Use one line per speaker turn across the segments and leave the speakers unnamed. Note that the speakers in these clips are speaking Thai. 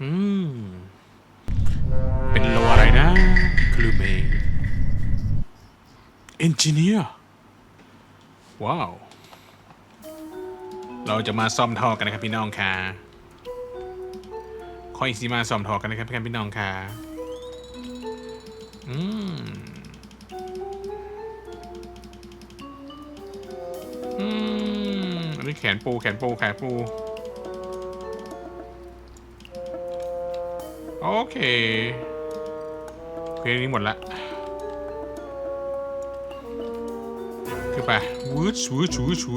อืมเป็นโลอะไรนะคลูเมเอนจิเนียร์ว้าวเราจะมาซ่อมท่อกันนะครับพี่น้องค่ะคอยสิมาซ่อมท่อกันนะครับพี่น้องค่ะอืมอันนี้แขนปูโอเคนี้หมดละคือไปวูดชู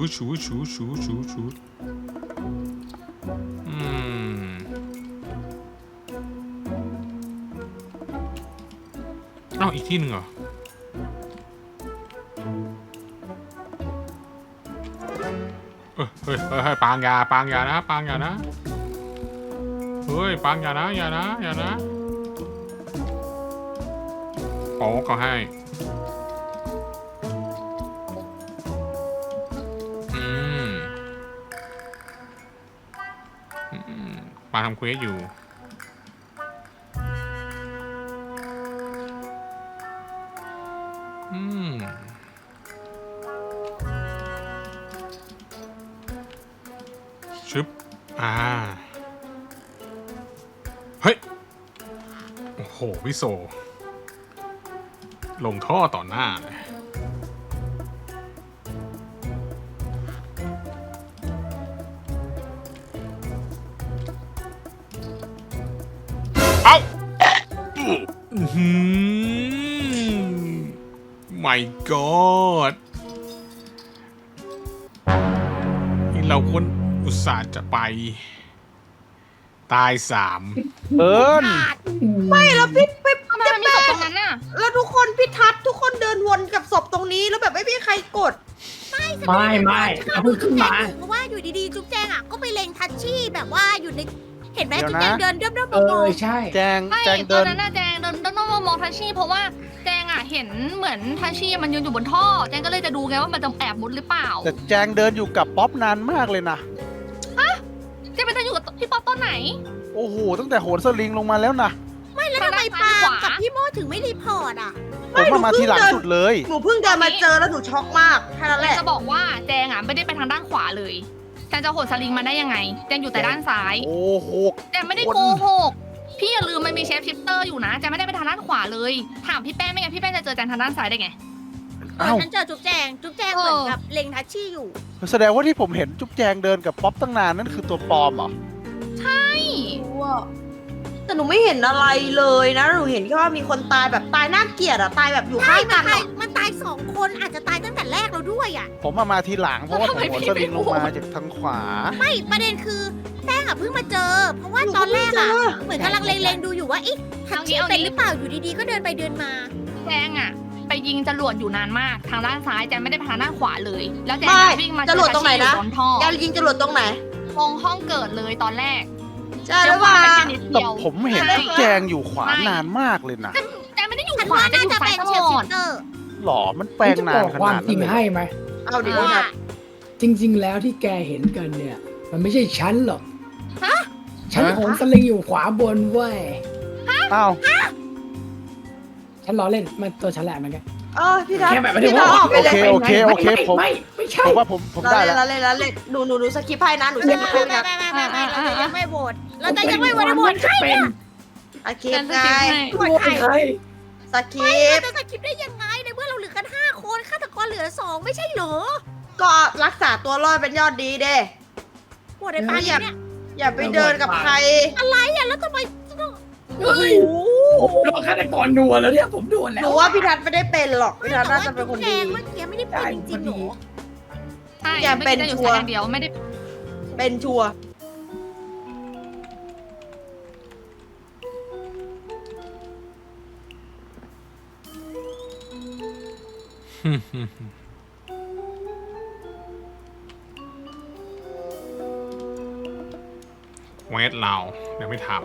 เอ้าอีกที่หนึ่งเหรอเฮ้ยปางยานะปางยานะเฮ้ยปางยานะอย่านะโอ้ก็ให้ปาทำเควสอยู่ชึบเฮ้ยโอ้โหพี่โซลงท่อต่อหน้าเลยเอ้าmy god นี่เราควรอุตส่าห์จะไปตาย3
ไม่แล้วพี่
ทำไมมันมีศพตรงนั้นน่ะ
แล้วทุกคนพี่ทัศน์ทุกคนเดินวนกับศพตรงนี้แล้วแบบไม่มีใครกด
ไม่เอาพึ่งขึ้นมา
เพราะว่าอยู่ดีๆจุ๊บแจงอ่ะก็ไปเล็งทัชชี่แบบว่าอยู่ในเห็นไหมจุ๊บแจงเดินเดิม
ใช่
แจง
ไม่
เดิ
ตอน
น
นั้นน่ะแจงเดินต้องมองทัชชี่เพราะว่าแจงอ่ะเห็นเหมือนทัชชี่มันยืนอยู่บนท่อแจงก็เลยจะดูไงว่ามันจะแอบมุดหรือเปล่า
แต่แจงเดินอยู่กับป๊อปนานมากเลยนะ
แจงไปเดินอยู่กับพี่ป๊อปตอนไหน
โอ้โหตั้งแต่โหนสลิงลงมาแล้วนะ
ไม่แล้วทำไมปากับพี่โมถึงไม่รีพอร์ตอ่ะ
ผมมาทีหลังสุดเลย
หนูเพิ่งเดินมาเจอแล้วหนูช็อกมากแค่นั้นแหละ
จะบอกว่าแจงอ่ะไม่ได้ไปทางด้านขวาเลยแจงจะโหดสลิงมาได้ยังไงแจงอยู่แต่ด้านซ้าย
โอ้โห
แจงไม่ได้โกหกพี่อย่าลืมมันมีเชฟชิปเตอร์อยู่นะแจงไม่ได้ไปทางด้านขวาเลยถามพี่แป้งไม่งั้นพี่แป้งจะเจอแจงทางด้านซ้ายได้ไง
ฉันเจอจุ๊บแจงเหมือนกับเล็งทัชชี่อยู่
แสดงว่าที่ผมเห็นจุ๊บแจงเดินกับป๊อปตั้งนานนั่นคือตัวปลอมเหรอ
ใช่
แต่หนูไม่เห็นอะไรเลยนะหนูเห็นแค่ว่ามีคนตายแบบตายน่าเกลียดอะตายแบบอยู่ข้างกัน
มันตาย2 คนอาจจะตายตั้งแต่แรกเราด้วยอ่ะ
ผมมาทีหลังเพราะว่าผมโหนสลิงลงมาจากทางขวา
ไม่ประเด็นคือแป้งอ่ะเพิ่งมาเจอเพราะว่าตอนแรกอ่ะเหมือนกำลังเล็งๆดูอยู่ว่าทัชชี่เป็นหรือเปล่าอยู่ดีๆก็เดินไปเดินมา
แจงอ่ะไปยิงจรวดอยู่นานมากทางด้านซ้ายแจงไม่ได้ไปทางด้านขวาเลยแล้วแจงวิ่งมา
จรวดตรงไหนนะ
แจ
งยิงจรวดตรงไหน
ตรงห้องเกิดเลยตอนแรก
ใช่หรือเปล่า
แต่ผมเห็นจุ๊บแจงอยู่ขวานานมากเลยนะ
แจงไม่ได้อยู่ขวาแจงอยู่ซ้ายตลอด
หรอมันแปลงนานขนาดนั้น
จริงให้ไหม
เอาดิว่า
จริงๆแล้วที่แกเห็นกันเนี่ยมันไม่ใช่ฉันหรอกฉันโหนสลิงอยู่ขวาบนเว้ย
อ้าว
ฉันล้อเล่นมันตัวฉันแหละมันกัน
พี่ทัศน์
แค่แบบไม่ได้ว่า
โอเคผม
ไม่ใช่
ผมว่าผมได้แล้ว
เล่นหนูสกิปให้นะหนูสกิปให้นะ
ไม่เราจะยังไม่โหวตเราจะยังไม่โหวตโหวตใครเนี่ย
สกิปไง
โหวตใคร
สกิป
จะสกิปได้ยังไงในเมื่อเราเหลือกัน5 คนฆาตกรเหลือ2ไม่ใช่เหรอ
ก็รักษาตัวรอดเป็นยอดดีเด้
โหวตในปาเนี่ย
อย่าไปเดินกับใคร
อะไรอ่ะแล้วทำไม
เฮ้ยผมโดนฆาตกรนัวแล้วเนี่ยผมโดนแล้ว
หนูว่าพี่ทัศน์ไม่ได้เป็นหรอกพี่ทัศน์น่าจะเป็นคนดี
เมื่อกี้ไม่ได้เป็นจริงๆหรอ
ใช่อย่าเป็นชัวร์เดียวไม่ได้
เป็นชัวร์
เวทเราเดี๋ยวไม่ทำ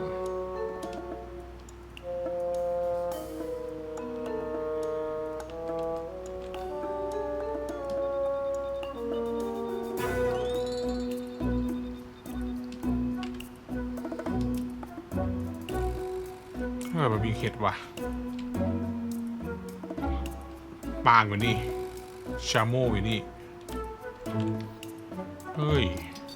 มันมีเข็ดว่ะปางอยู่นี่ชาโมอยู่นี่เฮ้ย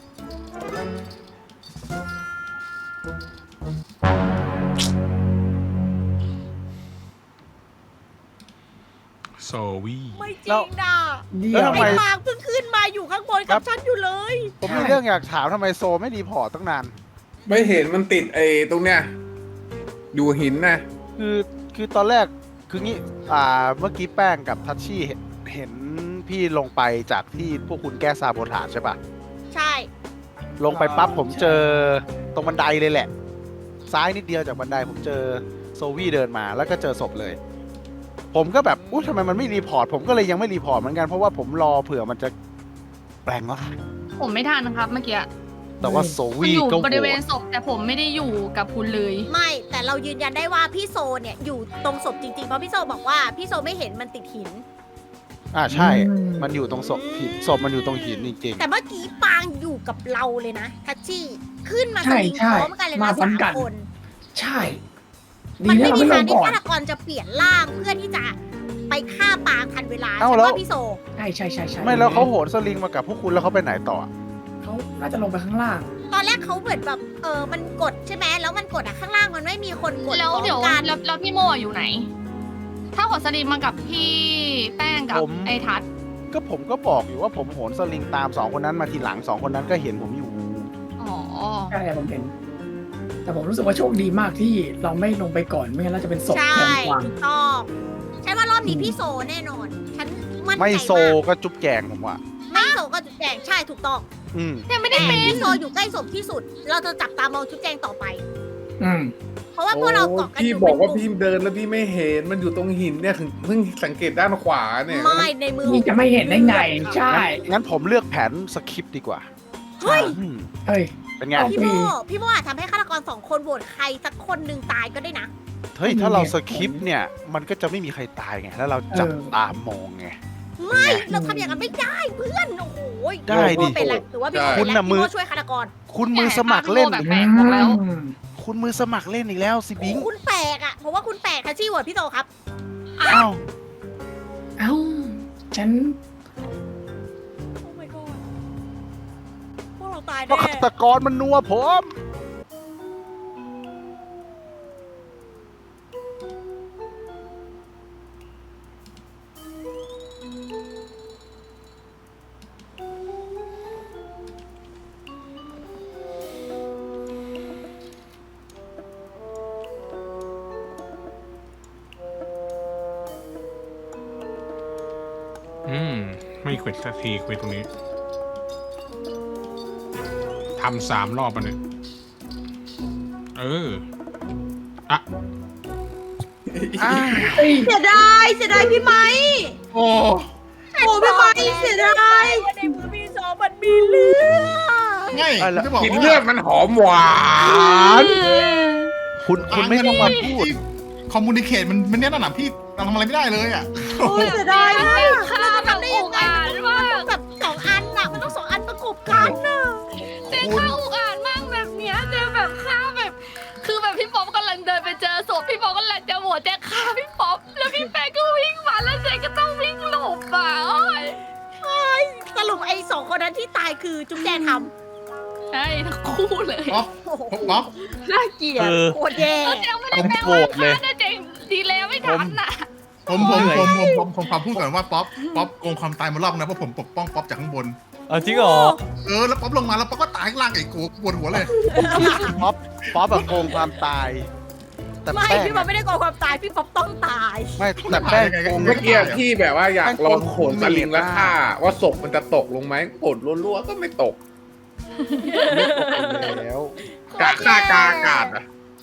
โซวี่
ไม่จริงนะ
เดี๋
แล้
ยว ว
ทำไม
ไอ้ปางเพิ่งขึ้นมาอยู่ข้างบนกับฉันอยู่เลย
ผมมีเรื่องอยากถามทำไมโซไม่รีพอร์ตตั้งนาน
ไม่เห็นมันติดไอ้ตรงเนี้ยอยู่หินนะ
คือตอนแรกคืองี้เมื่อกี้แป้งกับทัชชี่เห็นพี่ลงไปจากที่พวกคุณแก้ซาโบทาจใช่ปะ
ใช่
ลงไปปั๊บผมเจอตรงบันไดเลยแหละ ซ้ายนิดเดียวจากบันไดผมเจอโซวี่เดินมาแล้วก็เจอศพเลย ผมก็แบบอุ๊ยทำไมมันไม่รีพอร์ตผมก็เลยยังไม่รีพอร์ตเหมือนกันเพราะว่าผมรอเผื่อมันจะแปลงร่าง
ผมไม่ทันครับเมื่อกี้
แต่ว่าโซ
คุณ
วี่
อยู่
ก็โห
บริเวณ
วต
ศพแต่ผมไม่ได้อยู่กับคุณเลย
ไม่แต่เรายืนยันได้ว่าพี่โซเนี่ยอยู่ตรงศพจริงๆเพราะพี่โซบอกว่าพี่โซไม่เห็นมันติดหิน
ใช่ มันอยู่ตรงศพหินศพมันอยู่ตรงหินจริง
แต่เมื่อกี้ปางอยู่กับเราเลยนะทัชชี่ขึ้นมา
ใช่
สลิง
ใช่
พร้อมกันเลย
มา
นะ
พร้อ
สาม ม
กัน
คน
ใช่ดี
มัน
นะ
ไม่
เรา
มี
ไม่ล
ทาง
ง
ที่
ก่อน
ฆาตกรจะเปลี่ยนร่างเพื่อที่จะไปฆ่าปางทันเวลา
เอ้า
ฉัน
แล้ว
ว่าพี่โซ
ใช่ใช่ใช่ใช่
ๆ ไม่แล้วเขาโหนสลิงมากับพวกคุณแล้วเขาไปไหนต่อ
เขาน่าจะลงไปข้างล่าง
ตอนแรกเขาเหมือนแบบมันกดใช่ไหมแล้วมันกดข้างล่างมันไม่มีคนกด
แล้ว
พร้อม
เดี๋ยว
กัน
แล้วพี่โมอยู่ไหน ถ้าขอสลิมมากับพี่แป้งกับ
ผม
ไอ้ทัศน์
ก็ผมก็บอกอยู่ว่าผมโหนสลิงตามสองคนนั้นมาทีหลังสองคนนั้นก็เห็นผมอยู่
อ๋อ
ใช่ผมเห็น แต่ผมรู้สึกว่าโชคดีมากที่เราไม่ลงไปก่อนไม่งั้นเราจะเป็นศพ
ใช่
แทนกวาง
ถูกต้องฉันว่ารอบนี้พี่โซแน่นอน ฉันมั่นใจ
ไม่
มาก
โซก็จุ๊บแจงผมว่า
ไม่โซก็จุดแจงใช่ถูกต้อง
อืม
ยังไม่ได้
แต่
เป็น
พี่โซอยู่ใกล้ศพที่สุด เราจะจับตามองจุดแจงต่อไป
อืม
เพราะว่าพวกเราเกาะกันอ
พี่
ยู่
บอกว่า
เป็นกลุ่
พี่
ม
เดินแล้วพี่ไม่เห็นมันอยู่ตรงหินเนี่ยเพิ่งสังเกตด้านขวาเนี่ย
ไม่ในมือ
นี่จะไม่เห็นได้ไง ใช่
งั้นผมเลือกแผนสคริปต์ดีกว่า
เฮ้ย
อืม
เฮ้ย
เป็นไง
เอา
พี่โมอาจทำให้ฆาตกรสองคนโหวตใครสักคนหนึ่งตายก็ได้นะ
เฮ้ย ถ้าเราสคริปต์เนี่ย มันก็จะไม่มีใครตายไง แล้วเราจับตามมองไง
ไม่เราทำอย่างนั้นไม่ได้เพื่อนโอ้โห
ได้ดิ
พี่โม่เป็นไรถือว่าพี่โม
คุ
เป็น
ณ
ไร
น่ะมื
พี่
อ
โมช่วยฆาตกร
คุณมือสมัครเล่น
แบบแปลกบอกแล้ว
คุณมือสมัครเล่นอีกแล้วสิบิง
คุณแปลกอ่ะเพราะว่าคุณแปลกทัชชี่โหวตพี่โซครับ
อ้าว
เอ้า ฉัน
โอ้ my god พวกเราตาย
เพราะ
แน่
ฆาตกรมันนัวผม
ไม่เควดสักทีเควดตรงนี้ทำ3 รอบมันเนี่ยอ่ะ
เสียดายพี่ไม้
โอ้
โอ้พี่ไม้เสียดาย
ว่าในมือพี่โซมันมีเลือด
ไงจะบอก
กิน
ว่า
เลือดมันหอมหวาน
คุณไม่ต้องมาพูด
คอมมูนิเคตมันเนี่ยนั่นน่ะพี่เราทำอะไรไม่ได้เลยอ่ะ
โอ้ยเสียดายมาก
ฆ่าแบบอุกอาจมาก
แบบสองอันน่ะมันต้องสองอันประกบกันน่ะ
เจ๊ฆ่าอุกอาจมากแบบเนี้ยเจ๊แบบฆ่าแบบ คือแบบพี่ป๊อปกำลังเดินไปเจอศพพี่ป๊อปกำลังจะโหวตเจ๊ฆ่าพี่ป๊อปแล้วพี่แป้งก็วิ่งมาแล้วเจ๊ก็ต้องวิ่งหลบอ่ะโอ้ย
สรุปไอ้สองคนนั้นที่ตายคือจุ๊บแจงท
ใช่ทั้งคู่เลย
ป๊อป
ำโอ้โห
ป๊อป
น่าเกลียด
โคตรแย่
แล้วเจ๊ไม่ได้
ผม
แปล
โกร
ว่า
ธเลย
ฆ่านะเจ๊ดีแล้วไม่ทันน่ะ
ผมขอพูดก่อนว่าป๊อปโกงความตายมารอบนะเพราะผมปกป้องป๊อปจากข้างบน
จริงเหรอ
แล้วป๊อปลงมาแล้วป๊อปก็ตายข้างล่างไอ้กูปวดหัวเลย
ป๊อปแบบโกงความตาย แต่
ไม่
แป้ง
พี่ป๊อปไม่ได้โกงความตายพี่ป๊อปต้องตาย
ไม่แต่แป้งโกง
เมื่อกี้พี่แบบว่าอยากลองโขนสลิงแล้วฆ่าว่าศพมันจะตกลงไหมกดรัวๆก็ไม่ตก
ไม่ตกแล้ว
กะฆ่ากาอากาศอะ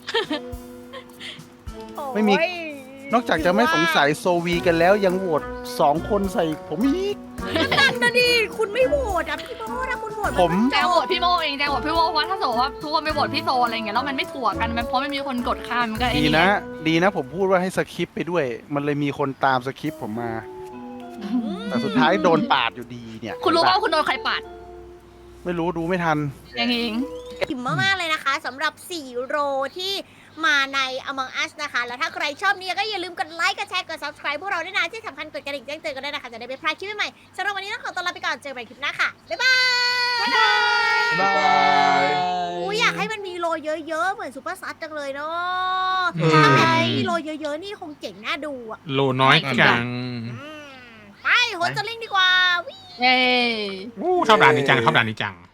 ไม่มี
โอ้ย
นอกจากจะไม่สงสัยโซวีกันแล้วยังโหวต2 คนใส่ผมอีก
นั่นนะดิคุณไม่โหวตอ่ะพี่โมนะคุณโหวต
ผม
แจงโหวตพี่โมเองแจงโหวตพี่โมเพราะว่าถ้าสมมติว่าทุกคนไปโหวตพี่โซอะไรอย่างเงี้ยแล้วมันไม่ถั่วกันมันเพราะไม่มีคนกดข้ามมันก็ไอ้
ดี
นี่
นะ ดีนะผมพูดว่าให้สคริปต์ไปด้วย มันเลยมีคนตามสคริปต์ผมมา แต่สุดท้ายโดนปาดอยู่ดีเนี่ย
คุณรู้ว่าคุณโดนใครปาด
ไม่รู้ดูไม่ทัน
ยังเอง
อิ่มมากๆเลยนะคะสำหรับ4โรที่มาใน Among Us นะคะ แล้วถ้าใครชอบเนี่ยก็อย่าลืมกดไลค์ กดแชร์ กด subscribe พวกเราด้วยนะ ที่สำคัญกดกระดิ่งแจ้งเตือนกันด้วยนะคะ จะได้ไม่พลาดคลิปใหม่ๆสำหรับวันนี้ต้องขอตัวลาไปก่อน เจอกันใหม่คลิปหน้าค่ะ บ๊ายบาย
บาย
อุ๊ยอยากให้มันมีโลเยอะๆ เหมือนซูเปอร์ซัสจังเลยเนาะ
อืม
ถ้าแบบมีโลเยอะๆ นี่คงเจ๋งน่าดูอ่ะ
โลน้อยจัง
ไปโหนสลิงดีกว่า
เย้
ชอบด่านนี้จังชอบด่านนี้จัง